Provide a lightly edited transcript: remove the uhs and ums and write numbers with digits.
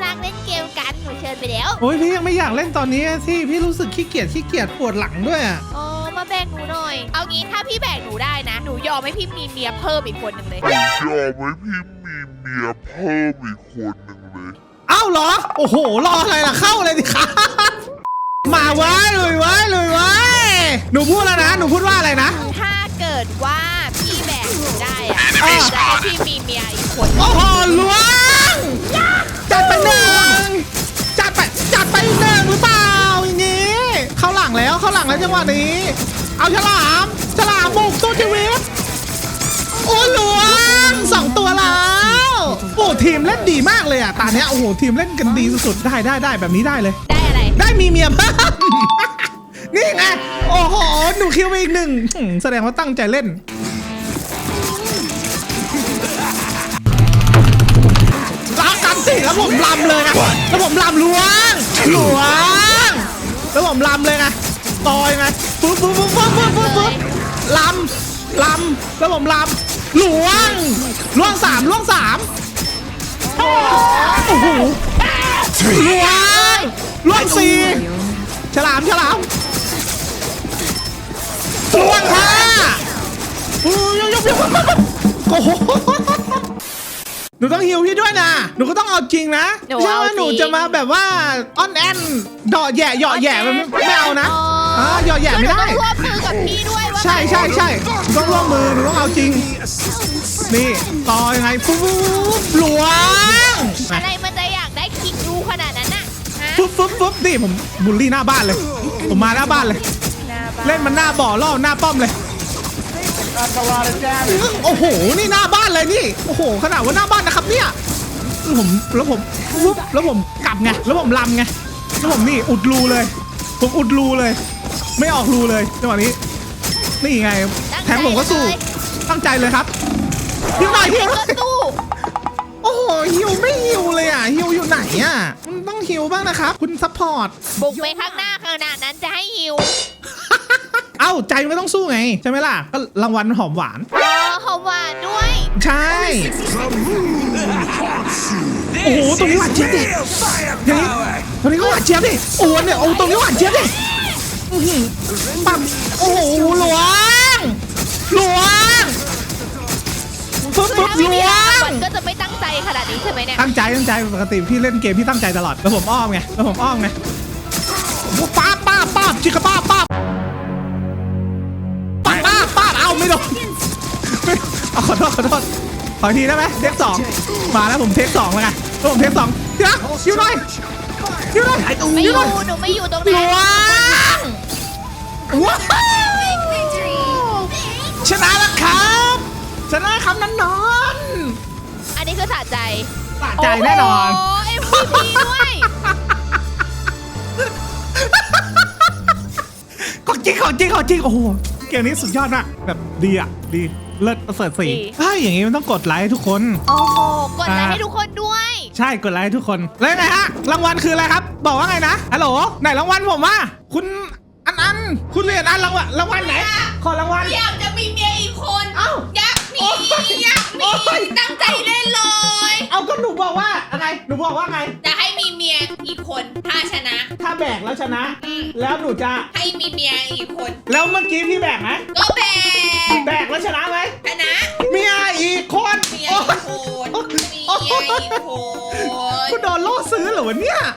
รักเล่นเกมกันหนูเชิญไปแล้วโอ้ยพี่ยังไม่อยากเล่นตอนนี้ที่พี่รู้สึกขี้เกียจปวดหลังด้วยอ่ะอ๋อมาแบ่งหนูหน่อยเอางี้ถ้าพี่แบ่งหนูได้นะหนูยอมให้พี่มีเมียเพิ่มอีกคนหนึ่งเลยยอมให้พี่มีเมียเพิ่มอีกคนหนึ่งเลยอ้าวเหรอโอ้โหรออะไรล่ะเข้าเลยดิครับมาไว้เลยไว้หนูพูดแล้วนะหนูพูดว่าอะไรนะถ้าเกิดว่าพี่แบ่งหนูได้อะจะให้พี่มีเมียอีกคนโอ้โหล้วงจัดไปหนึ่งจัดไปหนึ่งหรือเปล่าอย่างนี้เข้าหลังแล้วจังหวะนี้เอาฉลามบุกสู้ชีวิตโอ้ล้วง2 ตัวแล้วโอ้ทีมเล่นดีมากเลยอ่ะตาเนี้ยโอ้โหทีมเล่นกันดีสุดๆได้แบบนี้ได้เลยได้อะไรได้มีเมียเพิ่มนี่ไงโอ้โหหนูคิวไปอีก1แสดงว่าตั้งใจเล่นรักกันสิแล้วผมลำเลยนะแล้วผมลำล้วงแล้วผมลำเลยไงต่อยไงปุ๊บลำแล้วผมลำล้วง3โอ้โหล้วง4ฉลามล้วง5โอ้โหหนูต้องฮิวพี่ด้วยนะหนูก็ต้องเอาจริงนะไม่ใช่ว่าหนูจะมาแบบว่าอ้อนแอนดอแย่มันไม่เอานะหยอแย่ไม่ได้ร่วมมือกับพี่ด้วยใช่ต้องร่วมมือหนูต้องเอาจริงนี่ต่อยังไงปุ๊บล้วงอะไรมันจะอยากได้คิกดูขนาดนั้นน่ะปุ๊บนี่ผมบูลลี่หน้าบ้านเลยผมมาหน้าบ้านเลยเล่นมันหน้าบ่อล่อหน้าป้อมเลยโอ้โหนี่หน้าบ้านเลยนี่โอ้โหขนาดว่าหน้าบ้านนะครับเนี่ยแล้วผมกลับไงแล้วผมลำไงแล้วผมนี่อุดรูเลยผมอุดรูเลยไม่ออกรูเลยจังหวะนี้นี่ไงแทงผมก็สู้ตั้งใจเลยครับฮิวหน่อยฮิวโอ้โหฮิวไม่ฮิวเลยอ่ะฮิวอยู่ไหนอ่ะมันต้องฮิวบ้างนะครับคุณซัพพอร์ตบุกไปข้างหน้าขนาดนั้นจะให้ฮิวเอ้าใจไม่ต้องสู้ไงใช่ไหมล่ะก็รางวัลหอมหวานหอมหวานด้วยใช่โอ้โหตรงนี้หวานเจี๊ยบดิตรงนี้ก็หวานเจี๊ยบดิโอ้เนี่ยโอ้ตรงนี้หวานเจี๊ยบดิปั๊บโอ้โหหลวงปุ๊บล้วงก็จะไม่ตั้งใจขนาดนี้ใช่ไหมเนี่ยตั้งใจปกติพี่เล่นเกมพี่ตั้งใจตลอดแล้วผมอ้อมไงป้าบจิกป้าบเอาไม่โดนขอโทษขอทีได้ไหมเทค2มาแล้วผมเทค2แล้วไงแล้วผมเทค2ทีละฮิวหน่อยไม่อยู่หนูไม่อยู่ตรงนั้นว้าวชนะแล้วครับนั้นนอนอันนี้คือสะใจแน่นอนโอ้ MVP ด้วยของจริงโอ้โหเกมนี้สุดยอดมากแบบดีเลิศประเสริฐสีอย่างงี้มันต้องกดไลค์ทุกคนโอ้โหกดไลค์ให้ทุกคนด้วยใช่กดไลค์ให้ทุกคนแล้วไงฮะรางวัลคืออะไรครับบอกว่าไงนะฮัลโหลไหนรางวัลผมว่าคุณอันคุณเรียนรางวัลไหนขอรางวัลอยากจะมีเมียอีกคนอยากมีตั้งใจเล่นเลยเอาก็หนูบอกว่าอะไรหนูบอกว่าไงจะให้มีเมียอีกคนถ้าชนะถ้าแบกแล้วชนะแล้วหนูจะให้มีเมียอีกคนแล้วเมื่อกี้พี่แบกไหมก็แบกแล้วชนะไหมชนะเมียอีกคนคุณโดนล่อซื้อเหรอวะเนี่ย